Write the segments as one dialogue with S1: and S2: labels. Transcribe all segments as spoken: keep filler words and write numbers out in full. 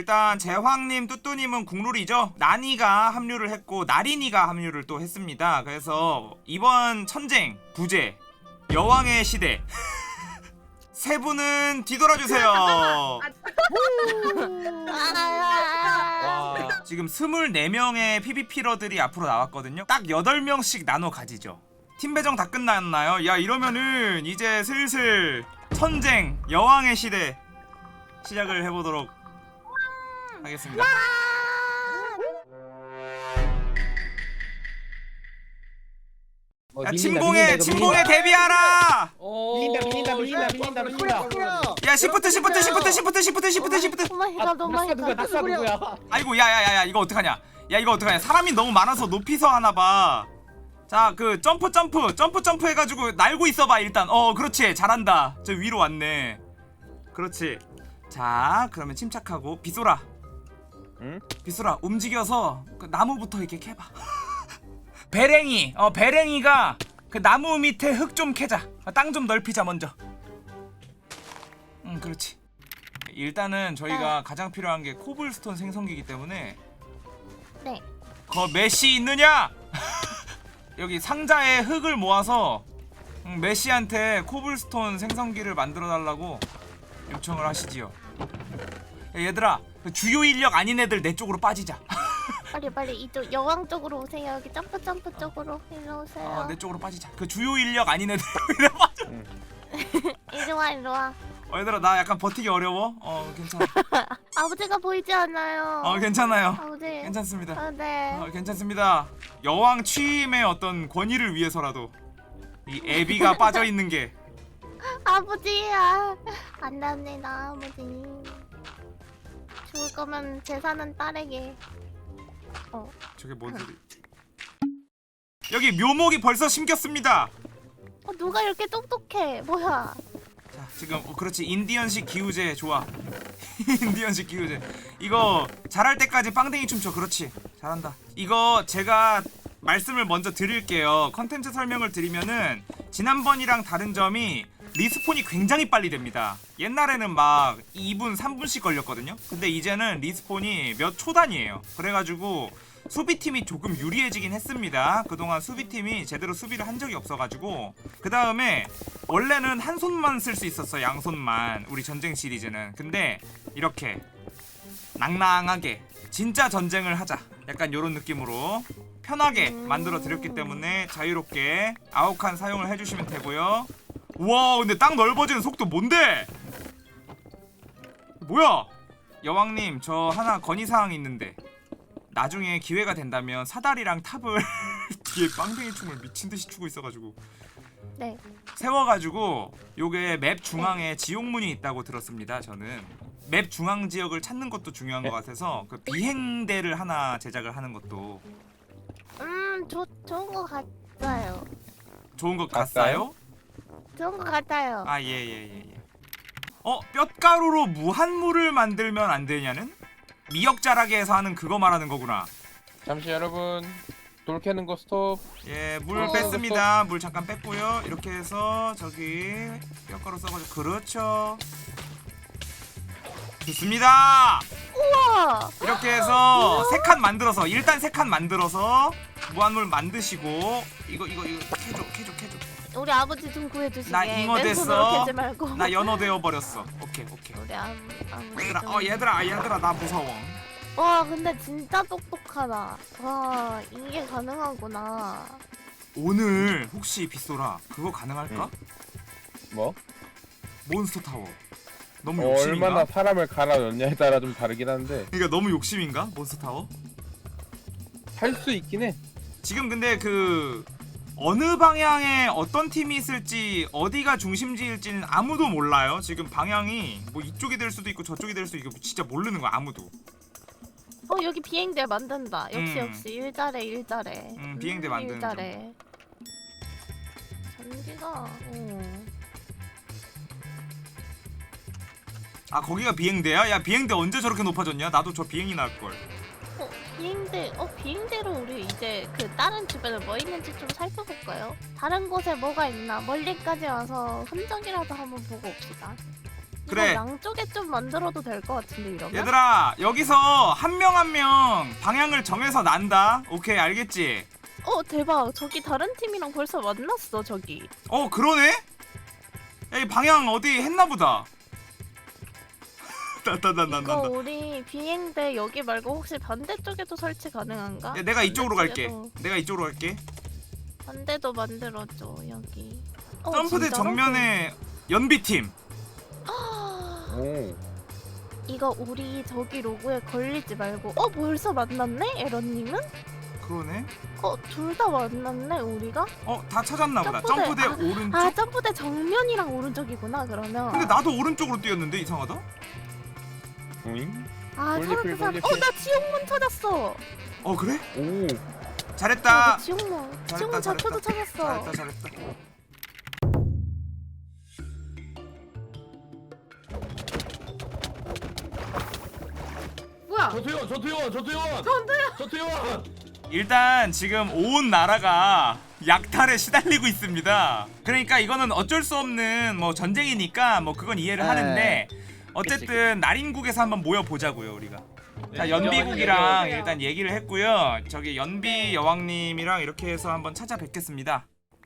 S1: 일단 제황님, 뚜뚜님은 국룰이죠. 나니가 합류를 했고 나린이가 합류를 또 했습니다. 그래서 이번 천쟁 부제 여왕의 시대 세 분은 뒤돌아주세요.
S2: 와.
S1: 지금 스물네 명의 피비피러들이 앞으로 나왔거든요. 딱 여덟 명씩 나눠 가지죠. 팀 배정 다 끝났나요? 야, 이러면은 이제 슬슬 천쟁 여왕의 시대 시작을 해보도록 하겠습니다.
S2: 어,
S1: 야,
S2: 밀린다,
S1: 침공에
S2: 밀린다, 이거
S1: 침공에
S2: 밀린다.
S1: 대비하라.
S2: 밀린다 밀린다 밀린다 밀린다 밀린다.
S1: 야, 시프트 시프트 시프트 시프트 시프트 시프트 시프트.
S3: 오마이갓 오마이갓.
S2: 누가 낙사 누구야?
S1: 아이고, 야야야야, 이거 어떡하냐? 야, 이거 어떡하냐? 사람이 너무 많아서 높이서 하나 봐. 자, 그 점프 점프 점프 점프 해가지고 날고 있어봐 일단. 어, 그렇지, 잘한다. 저 위로 왔네. 그렇지. 자, 그러면 침착하고 비소라.
S2: 응?
S1: 비소라 움직여서 그 나무부터 이렇게 캐봐. 배랭이, 어 배랭이가 그 나무 밑에 흙 좀 캐자. 땅 좀 넓히자 먼저. 응, 그렇지. 일단은 저희가
S3: 네.
S1: 가장 필요한 게 코블스톤 생성기이기 때문에.
S3: 네.
S1: 거 메시 있느냐? 여기 상자에 흙을 모아서 음, 메시한테 코블스톤 생성기를 만들어 달라고 요청을 하시지요. 야, 얘들아, 그 주요 인력 아닌 애들 내 쪽으로 빠지자.
S3: 빨리 빨리 이쪽 여왕 쪽으로 오세요. 여기 점프 점프 쪽으로 일로 오세요.
S1: 어, 내 쪽으로 빠지자. 그 주요 인력 아닌 애들 이래 빠져.
S3: 이리 와 이리 와.
S1: 어, 얘들아, 나 약간 버티기 어려워. 어, 괜찮아.
S3: 아버지가 보이지 않아요.
S1: 어, 괜찮아요.
S3: 아버지.
S1: 괜찮습니다.
S3: 아, 네.
S1: 어, 괜찮습니다. 여왕 취임의 어떤 권위를 위해서라도 이 애비가 빠져 있는 게.
S3: 아버지야. 안 됩니다 아버지. 죽을 거면 재산은 딸에게. 어.
S1: 저게 뭔 소리? 여기 묘목이 벌써 심겼습니다.
S3: 어 누가 이렇게 똑똑해? 뭐야?
S1: 자, 지금 어, 그렇지. 인디언식 기우제 좋아. 인디언식 기우제. 이거 잘할 때까지 빵댕이 춤춰. 그렇지. 잘한다. 이거 제가 말씀을 먼저 드릴게요. 컨텐츠 설명을 드리면은 지난번이랑 다른 점이 리스폰이 굉장히 빨리 됩니다. 옛날에는 막 이 분, 삼 분씩 걸렸거든요. 근데 이제는 리스폰이 몇 초 단위예요. 그래가지고 수비팀이 조금 유리해지긴 했습니다. 그동안 수비팀이 제대로 수비를 한 적이 없어가지고. 그 다음에 원래는 한 손만 쓸 수 있었어. 양손만. 우리 전쟁 시리즈는. 근데 이렇게 낭낭하게 진짜 전쟁을 하자, 약간 요런 느낌으로 편하게 만들어 드렸기 때문에 자유롭게 아홉 칸 사용을 해주시면 되고요. 우와, 근데 땅 넓어지는 속도 뭔데? 뭐야? 여왕님, 저 하나 건의사항이 있는데 나중에 기회가 된다면 사다리랑 탑을 뒤에 빵댕이 춤을 미친듯이 추고 있어가지고
S3: 네.
S1: 세워가지고 요게 맵 중앙에 지옥문이 있다고 들었습니다. 저는 맵 중앙 지역을 찾는 것도 중요한 것 같아서 그 비행대를 하나 제작을 하는 것도
S3: 음, 좋 좋은 거 같아요.
S1: 좋은 것
S2: 같아요?
S1: 같아요?
S3: 좋은 거 같아요.
S1: 아, 예, 예, 예, 예. 어, 뼛가루로 무한물을 만들면 안 되냐는? 미역자라기에서 하는 그거 말하는 거구나.
S2: 잠시 여러분 돌 캐는 거 스톱.
S1: 예, 물
S3: 어,
S1: 뺐습니다. 물 잠깐 뺐고요. 이렇게 해서 저기 뼈가루 써가지고. 그렇죠. 좋습니다.
S3: 우와.
S1: 이렇게 해서 세 칸 만들어서, 일단 세 칸 만들어서 무한물 만드시고. 이거 이거 이거 캐줘 캐줘 캐줘.
S3: 우리 아버지 좀 구해주시게.
S1: 나 잉어
S3: 맨손으로
S1: 됐어.
S3: 캐지 말고.
S1: 나 연어 되어 버렸어. 오케이 오케이.
S3: 우리 아버 아버지
S1: 얘들아,
S3: 좀.
S1: 어 얘들아 얘들아 나 무서워.
S3: 와 근데 진짜 똑똑하다. 와 이게 가능하구나.
S1: 오늘 혹시 빗소라 그거 가능할까?
S2: 뭐?
S1: 몬스터 타워. 너무
S2: 어,
S1: 욕심인가?
S2: 얼마나 사람을 갈아 넣냐에 따라 좀 다르긴 한데
S1: 그러니까 너무 욕심인가? 몬스터 타워?
S2: 할 수 있긴 해.
S1: 지금 근데 그 어느 방향에 어떤 팀이 있을지, 어디가 중심지일지는 아무도 몰라요. 지금 방향이 뭐 이쪽이 될 수도 있고 저쪽이 될 수도 있고 진짜 모르는 거야 아무도.
S3: 어 여기 비행대 만든다. 역시
S1: 음.
S3: 역시 일 잘해 일 잘해.
S1: 음, 비행대 만드는
S3: 일 잘해. 전기가. 어.
S1: 아, 거기가 비행대야? 야, 비행대 언제 저렇게 높아졌냐? 나도 저 비행이 나을걸.
S3: 어 비행대. 어 비행대로 우리 이제 그 다른 주변에 뭐 있는지 좀 살펴볼까요? 다른 곳에 뭐가 있나 멀리까지 와서 흔적이라도 한번 보고 옵시다.
S1: 그래.
S3: 양쪽에 좀 만들어도 될 것 같은데 이러면.
S1: 얘들아 여기서 한 명 한 명 방향을 정해서 난다. 오케이 알겠지?
S3: 어 대박. 저기 다른 팀이랑 벌써 만났어 저기.
S1: 어 그러네? 야, 이 방향 어디 했나보다. 나나나나
S3: 이거
S1: 나.
S3: 우리 비행대 여기 말고 혹시 반대쪽에도 설치 가능한가?
S1: 야, 내가 이쪽으로 갈게.
S3: 반대쪽에도-
S1: 내가 이쪽으로 갈게.
S3: 반대도 만들어줘 여기. 어,
S1: 점프대
S3: 진짜로?
S1: 정면에 연비팀.
S2: 오.
S3: 이거 우리 저기 로고에 걸리지 말고. 어 벌써 만났네 에런님은?
S1: 그러네.
S3: 어 둘 다 만났네 우리가?
S1: 어 다 찾았나 보다.
S3: 점프대.
S1: 점프대 오른쪽.
S3: 아 점프대 정면이랑 오른쪽이구나 그러면.
S1: 근데 나도 오른쪽으로 뛰었는데 이상하다.
S2: 오잉?
S3: 아
S2: 돌리필,
S3: 찾았다 찾았다.
S2: 돌리필.
S3: 어나 지옥문 찾았어.
S1: 어 그래?
S2: 오.
S1: 잘했다.
S3: 어, 지옥문.
S1: 잘했다,
S3: 지옥문 좌표도 찾았어.
S1: 잘했다 잘했다.
S4: 뭐야?
S5: 전투요원 전투요원 전투요원 전투요원 전투요원
S1: 일단 지금 온 나라가 약탈에 시달리고 있습니다. 그러니까 이거는 어쩔 수 없는 뭐 전쟁이니까 뭐 그건 이해를
S6: 네.
S1: 하는데 어쨌든 날인국에서 한번 모여 보자고요 우리가. 자
S5: 네,
S1: 연비국이랑
S4: 네.
S1: 일단 얘기를 했고요. 저기 연비 여왕님이랑 이렇게 해서 한번 찾아뵙겠습니다.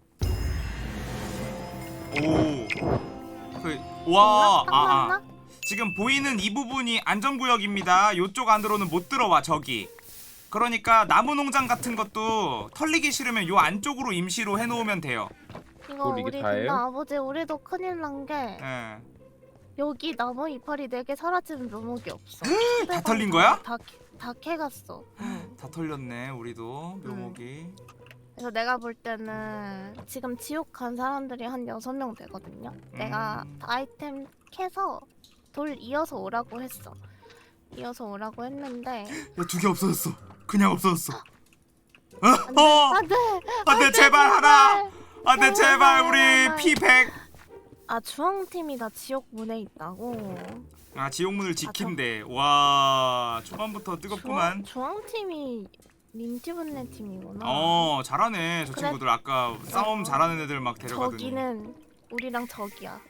S1: 오. 그 와.
S3: 딱
S1: 아, 아.
S3: 맞나?
S1: 지금 보이는 이 부분이 안전구역입니다. 요쪽 안으로는 못 들어와 저기. 그러니까 나무 농장 같은 것도 털리기 싫으면 요 안쪽으로 임시로 해놓으면 돼요.
S3: 이거
S2: 뭘 이게
S3: 우리
S2: 다예요?
S3: 근데 아버지 우리도 큰일 난 게
S1: 예.
S3: 여기 나무 이파리 네 개 사라지면 묘목이 없어.
S1: 다 털린 거야?
S3: 다다 캐갔어. 응.
S1: 다 털렸네 우리도 묘목이.
S3: 그래서 내가 볼 때는 지금 지옥 간 사람들이 한 여섯 명 되거든요. 내가
S1: 음.
S3: 아이템 캐서 돌 이어서 오라고 했어. 이어서 오라고 했는데
S1: 야두 개 없어졌어. 그냥 없어졌어. 어?
S3: 안돼
S1: 어!
S3: 안돼
S1: 안돼 제발 하나. 안돼
S3: 제발,
S1: 제발 우리
S3: 제발.
S1: 피 백.
S3: 아 주황팀이 다 지옥 문에 있다고.
S1: 아 지옥문을 지킨대. 와 초반부터 뜨겁구만.
S3: 주황, 주황팀이 민티분네 팀이구나.
S1: 어 잘하네 저
S3: 그래.
S1: 친구들. 아까 싸움 잘하는 애들 막 데려가더니.
S3: 저기는 우리랑 적이야.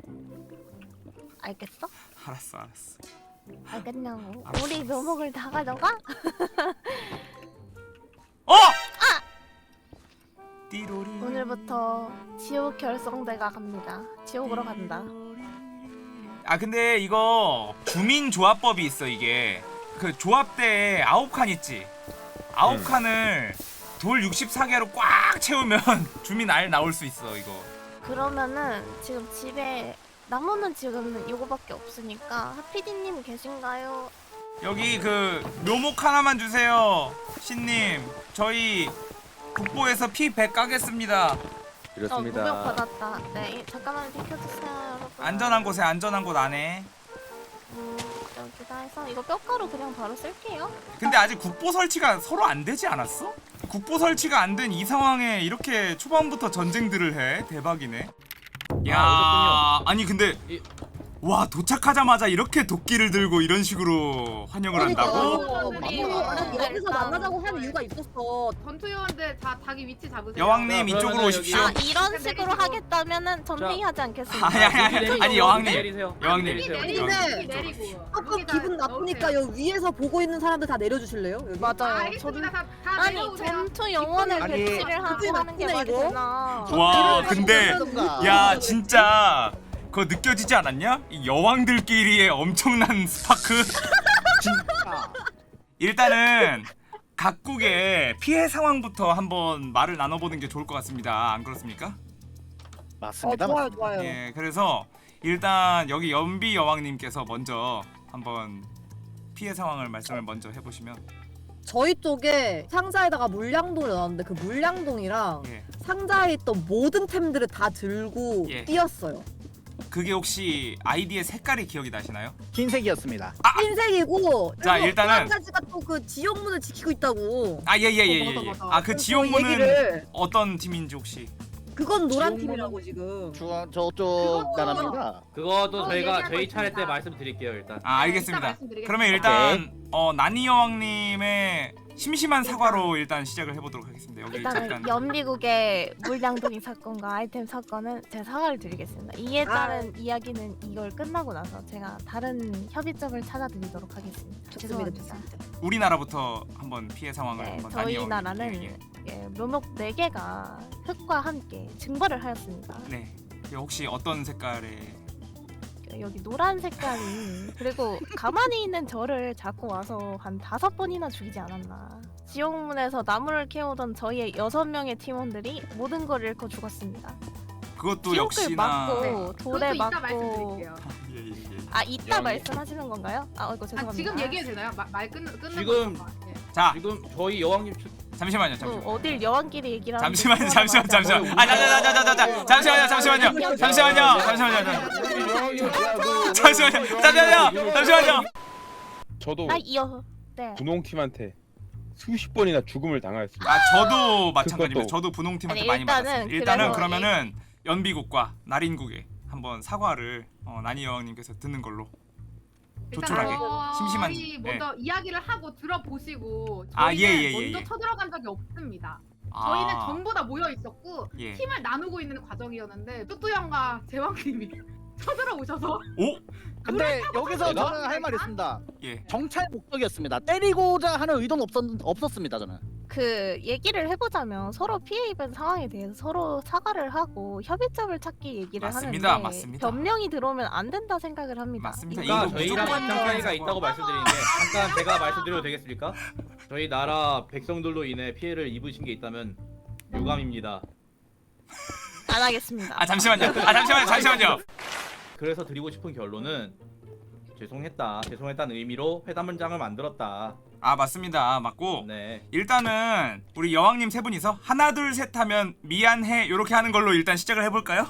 S3: 알겠어?
S1: 알았어 알았어.
S3: 알겠냐고.
S1: 알았어,
S3: 우리
S1: 알았어.
S3: 묘목을 다 가져가?
S1: 어! 띠로리.
S3: 오늘부터 지옥 결성대가 갑니다. 지옥으로 간다.
S1: 아 근데 이거 주민 조합법이 있어. 이게 그 조합대에 아홉 칸 있지. 아홉
S2: 음.
S1: 칸을 돌 육십사 개로 꽉 채우면 주민 알 나올 수 있어 이거.
S3: 그러면은 지금 집에 나무는 지금 요거밖에 없으니까 하피디님 계신가요?
S1: 여기 그 묘목 하나만 주세요 신님. 저희 국보에서 피 백 까겠습니다.
S3: 어
S2: 이렇습니다.
S3: 무력 받았다. 네 잠깐만 비켜주세요 여러분.
S1: 안전한 곳에 안전한 곳 안에.
S3: 음, 여기다 해서 이거 뼈가루 그냥 바로 쓸게요.
S1: 근데 아직 국보 설치가 서로 안 되지 않았어? 국보 설치가 안 된 이 상황에 이렇게 초반부터 전쟁들을 해. 대박이네. 야,
S5: 아,
S1: 아니 근데
S5: 이-
S1: 와 도착하자마자 이렇게 도끼를 들고 이런 식으로 환영을 한다고?
S4: 어,
S7: 아니,
S4: 어,
S7: 여기서 만나자고 하는 이유가 있었어.
S4: 전투요원들 다 자기 위치 잡으세요.
S1: 여왕님
S5: 자,
S1: 이쪽으로
S5: 그러면은
S1: 오십시오.
S3: 아
S5: 여기-
S3: 이런 식으로
S4: 내리시고.
S3: 하겠다면은 전
S5: 자.
S3: 회의하지 않겠습니다.
S1: 아니 아니 아니,
S5: 내리세요.
S1: 아니 여왕님.
S5: 내리세요.
S1: 여왕님.
S5: 내리세요.
S4: 내리고
S7: 근데
S4: 내리고.
S7: 조금
S4: 여기다
S7: 기분 나쁘니까
S4: 넣으세요.
S7: 여기 위에서 보고 있는 사람들 다 내려주실래요? 여기?
S4: 아,
S3: 맞아요. 전,
S4: 알겠습니다. 다, 다
S3: 아니
S4: 내려오세요.
S3: 전투 영혼을
S6: 아니,
S3: 배치를 하고
S7: 그게
S3: 하는 게
S7: 나쁘네,
S3: 말이
S7: 이거.
S3: 되나?
S1: 와 근데
S6: 하던가.
S1: 야 진짜 그거 느껴지지 않았냐? 이 여왕들끼리의 엄청난 스파크.
S6: 진짜.
S1: 일단은 각국의 피해 상황부터 한번 말을 나눠보는 게 좋을 것 같습니다. 안 그렇습니까?
S7: 어
S6: 맞습니다.
S7: 좋아요 좋아요.
S1: 예, 그래서 일단 여기 연비 여왕님께서 먼저 한번 피해 상황을 말씀을 먼저 해보시면.
S7: 저희 쪽에 상자에다가 물량동을 넣었는데 그 물량동이랑
S1: 예,
S7: 상자에 있던 모든 템들을 다 들고
S1: 예.
S7: 뛰었어요.
S1: 그게 혹시 아이디의 색깔이 기억이 나시나요?
S6: 흰색이었습니다.
S7: 흰색이고
S1: 자,
S7: 그리고
S1: 일단은-
S7: 또 한 가지가 또 그 지옥문을 지키고 있다고.
S1: 아, 예, 예, 예, 예.
S4: 어, 맞아,
S1: 예.
S4: 맞아.
S1: 아, 그
S7: 그래서
S1: 지옥문은
S7: 얘기를
S1: 어떤 팀인지 혹시?
S7: 그건 노란
S6: 지옥문은-
S7: 팀이라고 지금.
S6: 중앙 저쪽
S4: 그것도-
S6: 나라입니다.
S5: 그것도
S4: 어,
S5: 저희가
S4: 얘기하고
S5: 저희 차례 때
S4: 있습니다.
S5: 말씀드릴게요 일단.
S1: 아, 알겠습니다.
S4: 이따 말씀드리겠습니다.
S1: 그러면 일단 어 나니 여왕님의 심심한 사과로 일단 시작을 해보도록 하겠습니다. 여기
S3: 일단은
S1: 잠깐
S3: 연미국의 물량동이 사건과 아이템 사건은 제가 사과를 드리겠습니다. 이에 따른 이야기는 이걸 끝나고 나서 제가 다른 협의점을 찾아드리도록 하겠습니다.
S7: 좋습니다,
S3: 죄송합니다.
S1: 우리나라부터 한번 피해 상황을
S3: 네,
S1: 한번
S3: 저희
S1: 나뉘어
S3: 나라는
S1: 볼게요.
S3: 예, 묘목 네 개가 흙과 함께 증발을 하였습니다.
S1: 네. 혹시 어떤 색깔의
S3: 여기 노란 색깔이 그리고 가만히 있는 저를 자꾸 와서 한 다섯 번이나 죽이지 않았나. 지옥문에서 나무를 캐오던 저희의 여섯 명의 팀원들이 모든 걸 잃고 죽었습니다.
S1: 그것도
S3: 지옥을
S1: 역시나
S3: 맞고
S4: 네,
S3: 돌에
S4: 그것도 이따
S3: 맞고
S4: 말씀드릴게요.
S1: 예, 예, 예.
S3: 아 이따
S2: 영-
S3: 말씀하시는 건가요? 아 이거
S4: 아,
S3: 죄송합니다.
S4: 지금 얘기해도 되나요? 마, 말 끝, 끝나고
S5: 지금-
S4: 잠깐만. 예.
S1: 자,
S5: 지금 저희 여왕님 추...
S1: 잠시만요.
S3: 어,
S1: 잠시만요.
S3: 어딜 여왕끼리 얘기를 하는데
S1: 잠시만요.
S3: 그거랑
S1: 잠시만.
S3: 맞지 않아요?
S1: 잠시만. 아, 자자자자자자. 잠시만요. 잠시만요. 잠시만요. 잠시만요. 잠시만요. 잠시만요. 잠시만요.
S2: 저도
S3: 아 이어 네.
S2: 분홍팀한테 수십 번이나 죽음을 당하였습니다.
S1: 아, 저도 마찬가지입니다.
S2: 그것도.
S1: 저도 분홍팀한테
S3: 아니,
S1: 많이
S3: 일단은
S1: 맞았습니다. 일단은
S3: 그래서
S1: 그러면은 연비국과 나린국에 한번 사과를 어, 나니 여왕님께서 듣는 걸로.
S4: 일단
S1: 조촐하게.
S4: 저희
S1: 심심한-
S4: 먼저 이야기를 하고 들어보시고
S1: 아,
S4: 저희는
S1: 예, 예, 예,
S4: 먼저
S1: 예.
S4: 쳐들어간 적이 없습니다.
S1: 아,
S4: 저희는 전부 다 모여 있었고
S1: 예.
S4: 팀을 나누고 있는 과정이었는데 뚜뚜 형과 제왕님이 쳐들어오셔서
S1: 오,
S6: 근데 여기서
S2: 내가?
S6: 저는 할 말이 있습니다.
S1: 예.
S6: 정찰 목적이었습니다. 때리고자 하는 의도는 없었, 없었습니다. 저는.
S3: 그 얘기를 해보자면 서로 피해 입은 상황에 대해서 서로 사과를 하고 협의점을 찾기 얘기를
S1: 맞습니다,
S3: 하는데
S1: 맞습니다.
S3: 변명이 들어오면 안 된다 생각을 합니다.
S1: 맞습니다.
S3: 이거
S5: 그러니까
S1: 이거
S5: 저희랑
S1: 무조건
S5: 입장 차이가
S1: 사과.
S5: 있다고 말씀드리는데 잠깐 제가 말씀드려도 되겠습니까? 저희 나라 백성들로 인해 피해를 입으신 게 있다면 유감입니다.
S3: 안 하겠습니다.
S1: 아, 잠시만요. 아, 잠시만요. 잠시만요.
S5: 그래서 드리고 싶은 결론은 죄송했다. 죄송했다는 의미로 회담 문장을 만들었다.
S1: 아, 맞습니다. 맞고
S5: 네.
S1: 일단은 우리 여왕님 세 분이서 하나 둘 셋 하면 미안해 요렇게 하는 걸로 일단 시작을 해볼까요?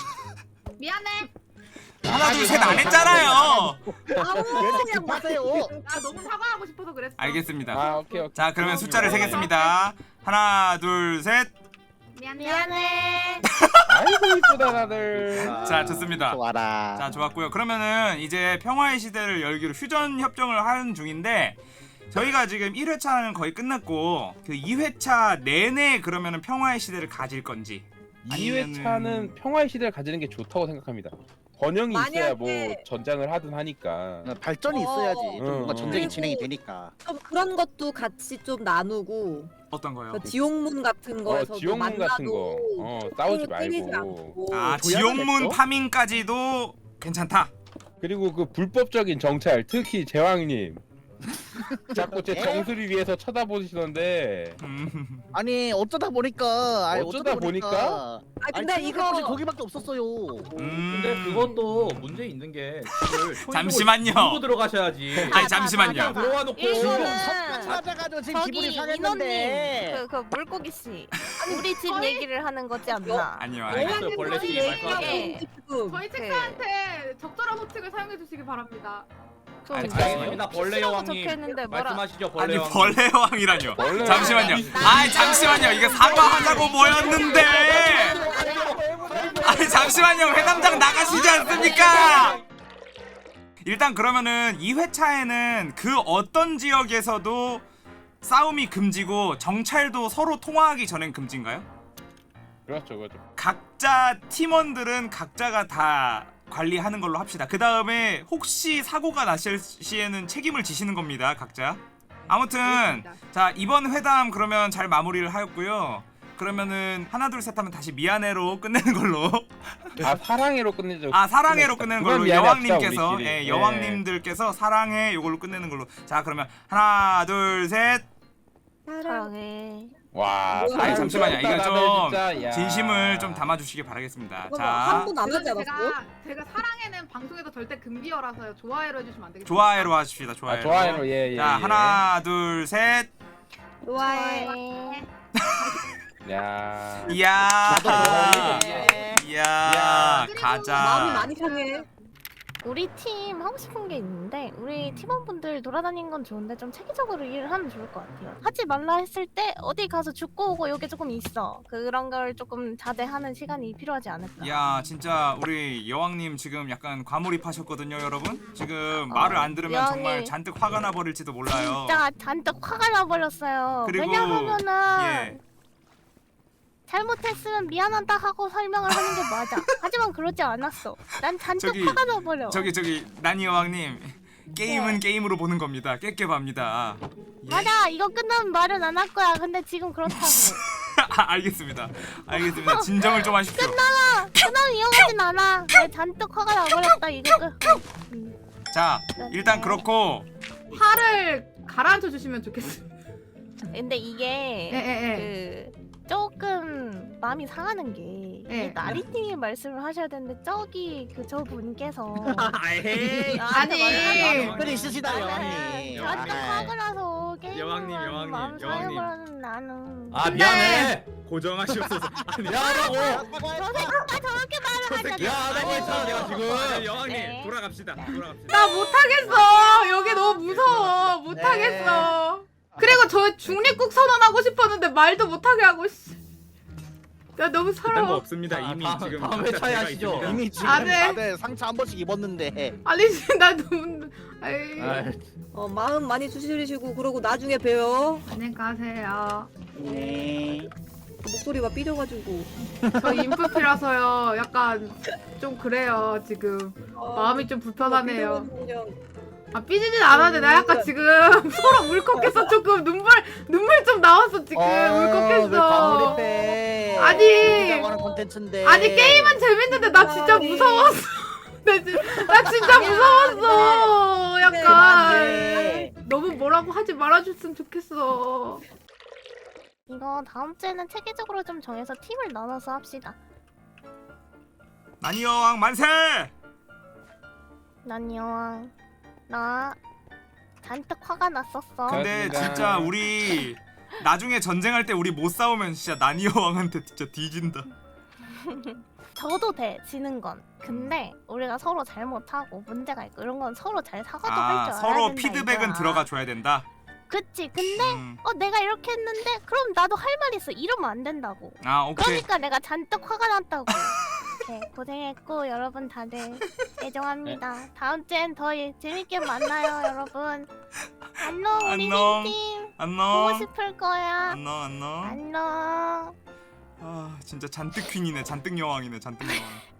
S4: 미안해.
S1: 하나 둘 셋 안 했잖아요.
S6: 왜 이렇게 급하세요?
S4: 나 너무 사과하고 싶어서 그랬어.
S1: 알겠습니다.
S2: 아 오케이 오케이.
S1: 자, 그러면 숫자를 세겠습니다. 하나 둘 셋.
S4: 미안해.
S3: 미안해.
S2: 아이고 이쁘다 다들.
S5: 아,
S1: 자, 좋습니다.
S6: 좋아라.
S1: 자, 좋았고요. 그러면은 이제 평화의 시대를 열기로 휴전 협정을 하는 중인데 저희가 지금 일 회차는 거의 끝났고 그 이 회차 내내 그러면은 평화의 시대를 가질 건지
S2: 이
S1: 아니면은-
S2: 회차는 평화의 시대를 가지는 게 좋다고 생각합니다. 번영이 있어야
S7: 만약에-
S2: 뭐 전장을 하든 하니까.
S6: 발전이 있어야지. 좀 뭔가
S2: 어,
S6: 전쟁이
S7: 어.
S6: 진행이 되니까.
S7: 좀 그런 것도 같이 좀 나누고
S1: 어떤 거요?
S7: 그 지옥문 같은
S2: 어
S7: 거에서도
S2: 지옥문
S7: 만나도
S2: 같은 거. 어 싸우지
S7: 때리지
S2: 말고.
S7: 않고.
S1: 아,
S6: 조약을
S1: 지옥문
S6: 했어?
S1: 파밍까지도 괜찮다.
S2: 그리고 그 불법적인 정찰, 특히 제왕님. 자꾸 제
S6: 에?
S2: 정수리 위에서 쳐다보시던데.
S1: 음.
S6: 아니 어쩌다 보니까. 아니,
S2: 어쩌다 보니까?
S7: 아 근데
S6: 아니,
S7: 이거
S6: 이거 거기밖에 없었어요.
S1: 음.
S5: 근데 그것도 문제 있는 게 집을
S1: 잠시만요.
S5: 들고 들어가셔야지.
S1: 아니, 잠시만요.
S5: 그냥 들어와 놓고
S3: 일단은
S6: 찾아가지고 지금
S3: 저기
S6: 기분이
S3: 인원님
S6: 상했는데.
S3: 그, 그 물고기 씨 우리 집 얘기를 하는 거지 않나?
S1: 아니요.
S5: 알겠어요.
S1: 아니요.
S5: 벌레 씨
S3: 저희
S5: 말씀하세요.
S3: 얘기에
S7: 지금
S4: 저희
S3: 네.
S4: 책사한테 적절한 호칭을 사용해 주시기 바랍니다.
S3: 좀
S1: 아니,
S5: 알겠습니다. 벌레
S3: 시라고
S5: 여왕님
S3: 적혀있는데 뭐라-
S5: 말씀하시죠. 벌레
S1: 아니,
S5: 여왕님.
S1: 벌레 왕이라뇨.
S2: 벌레
S1: 잠시만요.
S2: 왕이-
S1: 아, 잠시만요. 이게 사과하자고 모였는데. 아니, 잠시만요. 회담장 나가시지 않습니까? 일단 그러면은 이 회차에는 그 어떤 지역에서도 싸움이 금지고 정찰도 서로 통화하기 전엔 금지인가요?
S2: 그렇죠, 그렇죠.
S1: 각자 팀원들은 각자가 다 관리하는 걸로 합시다. 그 다음에 혹시 사고가 났을 시에는 책임을 지시는 겁니다, 각자. 아무튼
S4: 알겠습니다.
S1: 자, 이번 회담 그러면 잘 마무리를 하였고요. 그러면은 하나 둘 셋 하면 다시 미안해로 끝내는 걸로.
S2: 아 사랑해로 끝내죠.
S1: 아, 사랑해로 끝내는
S2: 그건
S1: 걸로.
S2: 미안해 합시다,
S1: 여왕님께서
S2: 우리끼리.
S1: 예,
S2: 예.
S1: 여왕님들께서 사랑해 요걸로 끝내는 걸로. 자, 그러면 하나 둘 셋.
S3: 사랑해.
S2: 와.
S7: 아니,
S1: 아니, 잠시만요. 이거 좀
S2: 진짜, 야.
S1: 진심을 좀 담아주시기 바라겠습니다.
S7: 이거
S1: 자,
S7: 한분 안 하지
S4: 제가,
S7: 않았어?
S4: 제가, 제가 사랑에는 방송에서 절대 금비어라서요. 좋아요로 해주시면 안 되겠어요?
S1: 좋아요로 하십시다. 좋아요.
S2: 아, 좋아요. 예, 예.
S1: 자,
S2: 예.
S1: 하나 둘 셋.
S7: 좋아해.
S2: 야.
S1: 이야.
S2: 나도 좋아해.
S1: 이야.
S4: 그리고
S1: 가자.
S7: 마음이 많이 상해.
S3: 우리 팀 하고 싶은 게 있는데 우리 팀원분들 돌아다니는 건 좋은데 좀 체계적으로 일을 하면 좋을 것 같아요. 하지 말라 했을 때 어디 가서 죽고 오고 요게 조금 있어. 그런 걸 조금 자제하는 시간이 필요하지 않을까.
S1: 야 진짜 우리 여왕님 지금 약간 과몰입하셨거든요 여러분. 지금 말을 안 들으면
S3: 여왕님.
S1: 정말 잔뜩 화가 나버릴지도 몰라요.
S3: 진짜 잔뜩 화가 나버렸어요.
S1: 그리고-
S3: 왜냐하면은
S1: 예.
S3: 잘못했으면 미안하다 하고 설명을 하는 게 맞아. 하지만 그러지 않았어. 난 잔뜩
S1: 저기-
S3: 화가 나버려.
S1: 저기 저기 나니 여왕님 게임은
S3: 네.
S1: 게임으로 보는 겁니다. 깨깨밥니다. 예.
S3: 맞아. 이거 끝나면 말은 안 할 거야. 근데 지금 그렇다고.
S1: 아, 알겠습니다. 알겠습니다. 진정을 좀 하십시오.
S3: 끝나면 끝나면 이용하진 않아. 내 잔뜩 화가 나버렸다. 이거 끝. 음.
S1: 자 일단 그렇고
S4: 화를 가라앉혀 주시면 좋겠어요.
S3: 근데 이게
S4: 예예예.
S3: 그 조금 마음이 상하는 게
S4: 예.
S3: 이 나리님이 말씀을 하셔야 되는데 저기 그 저 분께서
S6: 에이.
S4: 아니.
S6: 특별히 있으시다 여왕님.
S3: 잔뜩 화가 나서 게임을
S8: 여왕님, 여왕님,
S3: 마음
S8: 여왕님.
S3: 상해버리는 나는
S5: 아 미안해.
S8: 고정하시옵소서. 아니,
S5: 미안하다고.
S3: 저 새끼가 저렇게 말을 하잖아.
S5: 미안하다고 했잖아 내가 지금.
S8: 아니, 여왕님
S3: 네.
S8: 돌아갑시다. 돌아갑시다.
S4: 나 못하겠어. 여기 너무 무서워. 못하겠어. 그리고 저 중립국 선언하고 싶었는데 말도 못하게 하고 씨. 나 너무
S8: 그딴 거
S4: 서러워.
S8: 없습니다.
S5: 아,
S8: 이미
S5: 다음-
S8: 지금
S5: 다음
S8: 각자
S5: 회차에
S8: 대가
S5: 하시죠.
S8: 있습니다.
S6: 이미 지금
S4: 아, 네.
S6: 다들 상처 한 번씩 입었는데.
S4: 아니 나 너무 아이.
S5: 아,
S7: 어, 마음 많이 추스리시고 그러고 나중에 봬요.
S4: 안녕히 가세요.
S6: 네.
S7: 목소리가 삐져가지고.
S4: 저 인프피라서요. 약간 좀 그래요 지금. 마음이 좀 불편하네요. 아 삐지진 않았는데 나 약간 지금 서로 울컥해서 조금 눈물 눈물 좀 나왔어 지금 울컥했어.
S6: 과몰입해.
S4: 아니.
S6: 재밌다고 하는 콘텐츠인데.
S4: 아니 게임은 재밌는데 나 진짜 무서웠어. 나, 진, 나 진짜 무서웠어. 약간
S6: 네.
S4: 너무 뭐라고 하지 말아줬으면 좋겠어.
S3: 이거 다음 주에는 체계적으로 좀 정해서 팀을 나눠서 합시다.
S1: 나니 여왕 만세!
S3: 난 여왕 나 잔뜩 화가 났었어.
S1: 근데
S2: 그렇습니다.
S1: 진짜 우리 나중에 전쟁할 때 우리 못 싸우면 진짜 나니 여왕한테 진짜 뒤진다.
S3: 저도 돼 지는 건. 근데 우리가 서로 잘못하고 문제가 있고 이런 건 서로 잘 사과도 할
S1: 아
S3: 줄 알아야
S1: 서로
S3: 된다,
S1: 피드백은
S3: 이거야.
S1: 들어가 줘야 된다.
S3: 그치. 근데
S1: 음.
S3: 어 내가 이렇게 했는데 그럼 나도 할 말 있어. 이러면 안 된다고.
S1: 아 오케이.
S3: 그러니까 내가 잔뜩 화가 났다고. 네, 고생했고 여러분 다들 애정합니다. 다음 주엔 더 예- 재밌게 만나요 여러분. 안녕 우리
S1: 안녕.
S3: 팀 보고
S1: 안녕.
S3: 싶을 거야.
S1: 안녕 안녕.
S3: 안녕.
S1: 아 진짜 잔뜩 퀸이네. 잔뜩 여왕이네. 잔뜩 여왕.